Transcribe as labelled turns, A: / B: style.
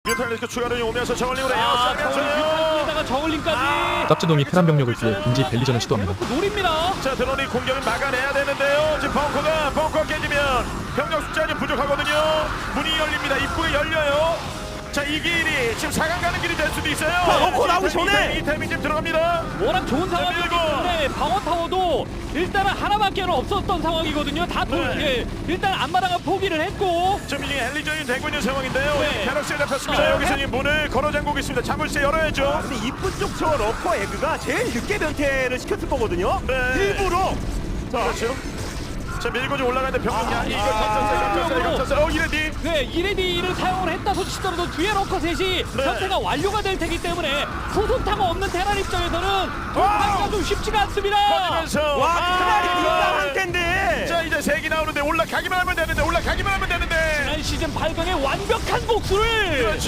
A: 뮤탈리스크 추가로 오면서 저울링으로
B: 뮤탈리스크에다가 저울링까지
C: 짭지동이 테란 병력을 피해 빈지 벨리전을 시도합니다.
B: 노립니다.
A: 자 드론이 공격을 막아내야 되는데요. 지금 벙커가 깨지면 병력 숫자는 부족하거든요. 문이 열립니다. 입구에 열려요. 자 이 길이 지금 4강 가는 길이 될 수도 있어요.
D: 벙커 나오기 전에!
A: 이 타이밍 지금 들어갑니다.
B: 워낙 좋은 상황이기
A: 밀고.
B: 때문에 방어타워도 일단은 하나밖에 없었던 상황이거든요. 다
A: 네.
B: 일단 앞마당은 포기를 했고
A: 지금 이게 헬리전이 되고 있는 상황인데요.
B: 네.
A: 캐럭스에 잡혔습니다. 여기서 이 문을 걸어 잠그고 있습니다. 자물쇠 열어야죠.
D: 근데 이쁜 쪽 저 러커 에그가 제일 늦게 변태를 시켰을 거거든요.
A: 네.
D: 일부러. 자,
A: 그렇죠. 자 밀고 좀 올라가는데 병력 이걸 갇혔어요. 이레디.
B: 네, 이레디를 사용을 했다 손치더라도 뒤에 러커 셋이
A: 네.
B: 전태가 완료가 될 테기 때문에 후속타가 없는 테란 입장에서는 돌파기가 좀 쉽지가 않습니다.
A: 터지면서
D: 와, 그날이 뒷담한 텐데.
A: 자 이제 색이 나오는데 올라가기만 하면 되는데
B: 지난 시즌 8강의 완벽한 복수를